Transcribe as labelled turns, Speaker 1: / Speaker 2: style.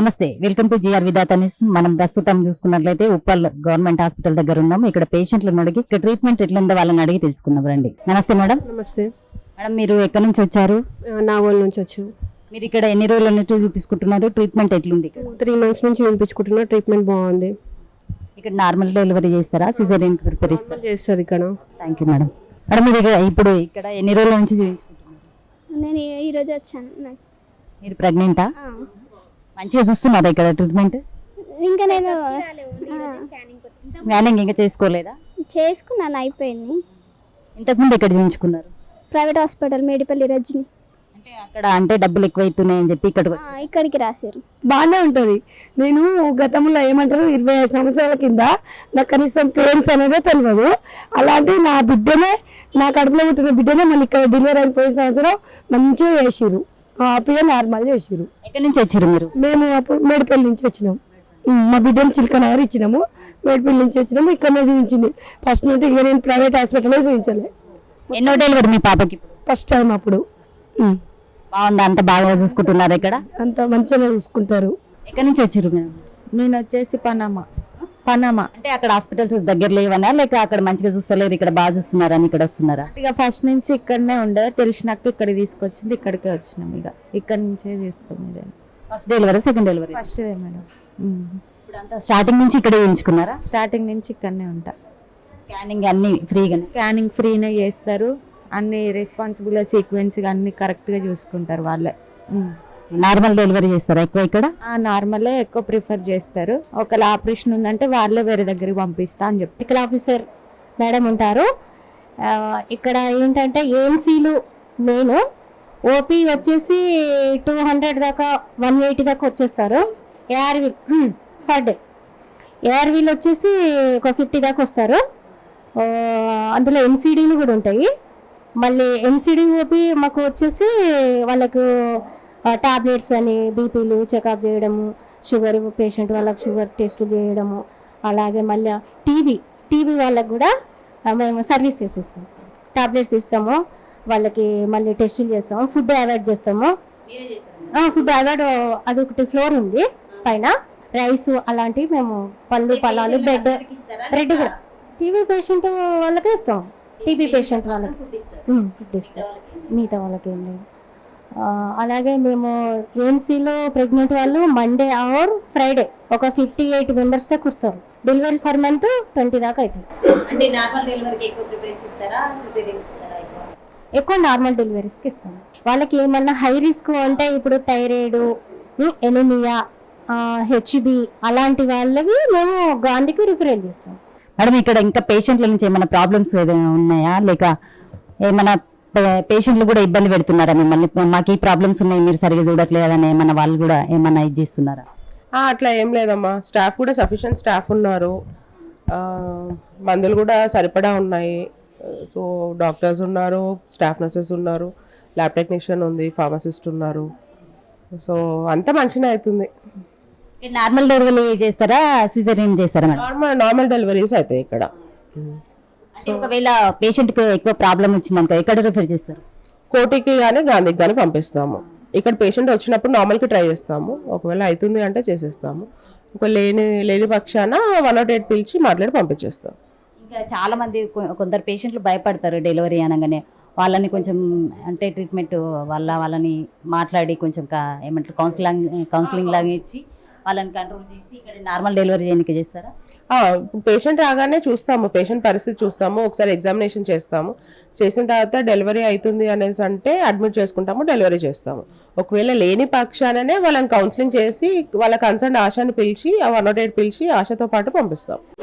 Speaker 1: నమస్తే, welcome to G R Vidhata news. మనం ప్రస్తుతం చూసుకున్నట్లయితే ఉప్పల్ గవర్నమెంట్ హాస్పిటల్ దగ్గర ఉన్నాం. ఇక్కడ పేషెంట్లను అడిగి ఇక్కడ ట్రీట్మెంట్ ఎట్లుందో వాళ్ళని అడిగి తెలుసుకుందాం రండి. నమస్తే మేడం.
Speaker 2: నమస్తే
Speaker 1: మేడం, మీరు ఎక్కడి నుంచి వచ్చారు?
Speaker 2: నాగోల్ నుంచి వచ్చాము.
Speaker 1: మీరు ఇక్కడ ఎన్ని రోజుల నుంచి చూపించుకుంటున్నారు? ట్రీట్మెంట్ ఎట్లుంది? ఇక్కడ
Speaker 2: 3 months నుంచి చూపించుకుంటున్నా. ట్రీట్మెంట్ బాగుంది.
Speaker 1: ఇక్కడ నార్మల్ డెలివరీ చేస్తారా, సిజేరియన్ ప్రిపేర్
Speaker 2: చేస్తారు ఇక్కడ?
Speaker 1: Thank you madam. మేడం, మీరు ఇప్పుడు ఇక్కడ ఎన్ని రోజుల నుంచి చూపించుకుంటున్నారు?
Speaker 3: నేను ఈరోజు వచ్చాను.
Speaker 1: మీరు ప్రెగ్నెంటా? మంచిగా చూస్తున్నారా ఇక్కడ ట్రీట్మెంట్?
Speaker 3: ఇంకా నేను
Speaker 1: స్కానింగ్ ఇంకా చేసుకోలేదా?
Speaker 3: చేసుకున్నాను, అయిపోయింది.
Speaker 1: ఇంతకుముందు ఎక్కడ చూపించుకున్నారు?
Speaker 3: Private hospital Medipally Rajani.
Speaker 1: అంటే అక్కడ అంటే డబ్బులు ఎక్కువ అవుతున్నాయని చెప్పి
Speaker 3: ఇక్కడికి రాశారు.
Speaker 2: బాగానే ఉంటుంది. నేను గతంలో ఏమంటారు 25 సంవత్సరాల కింద నాకు కనీసం పెయిన్స్ అనేదే తెలియదు. అలాంటి నా బిడ్డనే, నా కడుపులో పుట్టిన బిడ్డనే మళ్ళీ ఇక్కడ డెలివరీ అయిపోయిన సంవత్సరం మంచిగా చేసిరు. హ్యాపీగా నార్మల్ చేసిరు.
Speaker 1: ఎక్కడి నుంచి వచ్చారు మీరు?
Speaker 2: మేము అప్పుడు మేడిపల్లి నుంచి వచ్చినాం. మా బిడ్డను చిలకనగర్ ఇచ్చినాము. మేడిపల్లి నుంచి వచ్చినాము. ఇక్కడనే చూపించింది ఫస్ట్ నుండి. ఇక నేను ప్రైవేట్ హాస్పిటల్లో చూపించలే.
Speaker 1: ఎన్నో డెలివరీ మీ పాపకి?
Speaker 2: ఫస్ట్ టైం అప్పుడు.
Speaker 1: బాగుంది, అంత బాగా చూసుకుంటున్నారు ఇక్కడ?
Speaker 2: అంత మంచిగా చూసుకుంటారు.
Speaker 1: ఎక్కడి నుంచి వచ్చారు మీరు?
Speaker 4: నేను వచ్చేసి పనామా.
Speaker 1: అంటే అక్కడ హాస్పిటల్స్ దగ్గర లేవనా, లేక అక్కడ మంచిగా చూస్తలేరు ఇక్కడ బాగా చూస్తున్నారని ఇక్కడ వస్తున్నారా?
Speaker 4: ఇక ఫస్ట్ నుంచి ఇక్కడనే ఉండే, తెలిసినాక ఇక్కడికి తీసుకొచ్చింది. ఇక్కడికే వచ్చినాం. ఇక ఇక్కడ నుంచే చేస్తాం. మీరు
Speaker 1: first delivery, second delivery?
Speaker 4: First madam.
Speaker 1: ఇప్పుడు అంతా స్టార్టింగ్ నుంచి ఇక్కడే ఉంచుకున్నారా?
Speaker 4: స్టార్టింగ్ నుంచి ఇక్కడనే ఉంటా.
Speaker 1: స్కానింగ్ అన్ని ఫ్రీగా?
Speaker 4: స్కానింగ్ ఫ్రీనే చేస్తారు. అన్ని రెస్పాన్సిబుల్ సీక్వెన్స్గా అన్ని కరెక్ట్గా చూసుకుంటారు వాళ్ళే.
Speaker 1: నార్మల్ డెలివరీ చేస్తారా ఎక్కువ ఇక్కడ?
Speaker 4: నార్మలే ఎక్కువ ప్రిఫర్ చేస్తారు. ఒకవేళ ఆపరేషన్ ఉందంటే వాళ్ళే వేరే దగ్గరికి పంపిస్తా అని చెప్పి.
Speaker 5: మెడికల్ ఆఫీసర్ మేడం ఉంటారు. ఇక్కడ ఏంటంటే ఏఎన్సీలు మెయిన్. ఓపీ వచ్చేసి 200 దాకా 180 దాకా వచ్చేస్తారు. ఏఆర్వీ పర్ డే. ఏఆర్వీలు వచ్చేసి ఒక 50 దాకా వస్తారు. అందులో ఎన్సీడీలు కూడా ఉంటాయి. మళ్ళీ ఎన్సీడీ ఓపీ మాకు వచ్చేసి వాళ్ళకు టాబ్లెట్స్ అని, బీపీలు చెకప్ చేయడము, షుగర్ పేషెంట్ వాళ్ళకి షుగర్ టెస్టులు చేయడము, అలాగే మళ్ళీ టీబీ వాళ్ళకి కూడా మేము సర్వీస్ చేసిస్తాము. టాబ్లెట్స్ ఇస్తాము వాళ్ళకి, మళ్ళీ టెస్టులు చేస్తాము, ఫుడ్ అవాయిడ్ చేస్తాము. ఫుడ్ అవాయిడ్ అదొకటి ఫ్లోర్ ఉంది పైన. రైస్ అలాంటివి మేము, పళ్ళు పలాలు, బ్రెడ్ కూడా టీబీ పేషెంట్ వాళ్ళకే ఇస్తాం. టీబీ పేషెంట్ వాళ్ళకి ఫుడ్ ఇస్తాం, మిగతా వాళ్ళకి ఏం లేదు. అలాగే మేము ఏఎన్సీలో ప్రెగ్నెంట్ వాళ్ళు మండే ఆర్ ఫ్రైడే ఒక 58 మెంబర్స్ దాకా వస్తారు. డెలివరీ పర్ మంత్ 20 దాకా అవుతుంది.
Speaker 1: అంటే నార్మల్ డెలివరీకి ఎక్కువ ప్రిఫరెన్స్ ఇస్తారా, సిజేరియన్ ఇస్తారా?
Speaker 5: ఎక్కువ నార్మల్ డెలివరీస్కి ఇస్తాం. వాళ్ళకి ఏమన్నా హై రిస్క్ అంటే ఇప్పుడు థైరాయిడ్, ఎనిమియా, హెచ్బి అలాంటి వాళ్ళకి మేము గాంధీకి రిఫరెల్ చేస్తాం.
Speaker 1: మేడం, ఇక్కడ ఇంకా పేషెంట్ల నుంచి ఏమైనా ప్రాబ్లమ్స్ ఏదైనా ఉన్నాయా, లేక ఏమైనా పేషెంట్లు కూడా ఇబ్బంది పెడుతున్నారా మిమ్మల్ని? మాకు ఈ ప్రాబ్లమ్స్ ఉన్నాయి, మీరు సరిగా చూడట్లేదని ఏమన్నా వాళ్ళు కూడా ఏమన్నా ఇది చేస్తున్నారా?
Speaker 6: అట్లా ఏం లేదమ్మా. స్టాఫ్ కూడా సఫిషియెంట్ స్టాఫ్ ఉన్నారు. మందులు కూడా సరిపడా ఉన్నాయి. సో డాక్టర్స్ ఉన్నారు, స్టాఫ్ నర్సెస్ ఉన్నారు, ల్యాబ్ టెక్నీషియన్ ఉంది, ఫార్మసిస్ట్ ఉన్నారు. సో అంతా మంచిగా అవుతుంది.
Speaker 1: నార్మల్ డెలివరీ చేస్తారా, సిజేరియన్ చేస్తారా మేడం?
Speaker 6: నార్మల్ డెలివరీస్ అవుతాయి ఇక్కడ.
Speaker 1: అంటే ఒకవేళ పేషెంట్ కి ఎక్కువ ప్రాబ్లం వచ్చిందనుకో ఎక్కడ రిఫర్ చేస్తారు?
Speaker 6: కోటికి కానీ గాంధీకి కానీ పంపిస్తాము. ఇక్కడ పేషెంట్ వచ్చినప్పుడు నార్మల్కి ట్రై చేస్తాము. ఒకవేళ అవుతుంది అంటే చేసేస్తాము. ఒకవేళ లేని పక్షాన 108 పిలిచి మాట్లాడి పంపించేస్తాం.
Speaker 1: ఇంకా చాలా మంది కొందరు పేషెంట్లు భయపడతారు డెలివరీ అనగానే. వాళ్ళని కొంచెం అంటే ట్రీట్మెంట్ వాళ్ళని మాట్లాడి కొంచెం ఏమంటారు కౌన్సిలింగ్ లాగా ఇచ్చి వాళ్ళని కంట్రోల్ చేసి ఇక్కడ నార్మల్ డెలివరీ చేయడానికి చేస్తారా?
Speaker 6: పేషెంట్ రాగానే చూస్తాము, పేషెంట్ పరిస్థితి చూస్తాము, ఒకసారి ఎగ్జామినేషన్ చేస్తాము. చేసిన తర్వాత డెలివరీ అవుతుంది అనేసి అంటే అడ్మిట్ చేసుకుంటాము, డెలివరీ చేస్తాము. ఒకవేళ లేని పక్షాననే వాళ్ళని కౌన్సిలింగ్ చేసి వాళ్ళ కన్సర్న్ ఆశని పిలిచి 108 పిలిచి ఆశతో పాటు పంపిస్తాం.